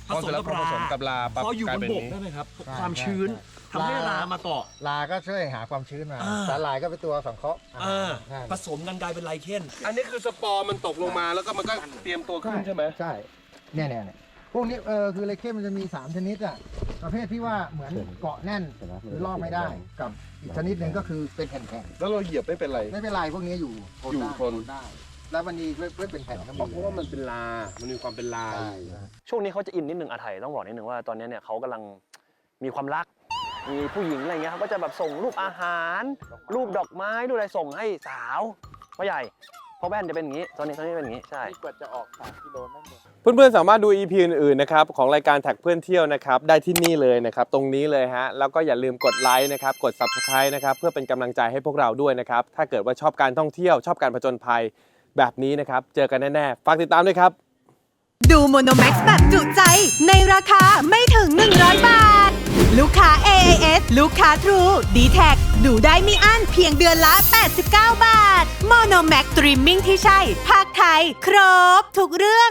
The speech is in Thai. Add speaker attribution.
Speaker 1: ผสมกับรา
Speaker 2: พออยู่บนบกได้ไหมครับความชื้นทำให้รามาเกาะ
Speaker 3: ราก็ช่วยหาความชื้นมาสาหร่ายก็เป็นตัวสังเคราะห์
Speaker 2: ผสมกันกลายเป็นไลเคน
Speaker 1: อันนี้คือสปอร์มันตกลงมาแล้วก็มันก็เตรียมตัวขึ้นใช่ไหม
Speaker 3: ใช่เนี่ยพวกนี้คือไลเคนมันจะมี3ชนิดอ่ะประเภทที่ว่าเหมือนเกาะแน่นหรือลอกไม่ได้กับอีกชนิดหนึ่งก็คือเป็นแผ่นๆ
Speaker 1: แล้วเราเหยียบไม่เป็นไร
Speaker 3: ไม่เป็นไรพวกนี้อยู่
Speaker 1: ทน
Speaker 3: ได้แล้วมันมีไม่เป็นแผ่นก็มี
Speaker 1: เพราะว่ามันเป็นลามันมีความเป็นลา
Speaker 4: ช่วงนี้เขาจะอินนิดนึงอาไทยต้องบอกนิดนึงว่าตอนนี้เนี่ยเขากำลังมีความรักมีผู้หญิงอะไรเงี้ยเขาก็จะแบบส่งรูปอาหารรูปดอกไม้รูปอะไรส่งให้สาวพ่อใหญ่พ่อแว่นจะเป็นอย่างนี้ตอนนี้เป็นอย่างนี้ใช่
Speaker 3: กว่าจะออก3 กิโลนั่นเอง
Speaker 5: เพื่อนๆสามารถดู EP อื่นๆนะครับของรายการแท็กเพื่อนเที่ยวนะครับได้ที่นี่เลยนะครับตรงนี้เลยฮะแล้วก็อย่าลืมกดไลค์นะครับกด Subscribe นะครับเพื่อเป็นกำลังใจให้พวกเราด้วยนะครับถ้าเกิดว่าชอบการท่องเที่ยวชอบการผจญภัยแบบนี้นะครับเจอกันแน่ๆฝากติดตามด้วยครับ
Speaker 6: ดูโมโนแม็กซ์แบบจุใจในราคาไม่ถึง100 บาท ลูกค้า AIS ลูกค้า True D-Tag ดูได้ไม่อั้นเพียงเดือนละ89 บาทโมโนแม็กซ์สตรีมมิ่งที่ใช่ภาคไทยครบทุกเรื่อง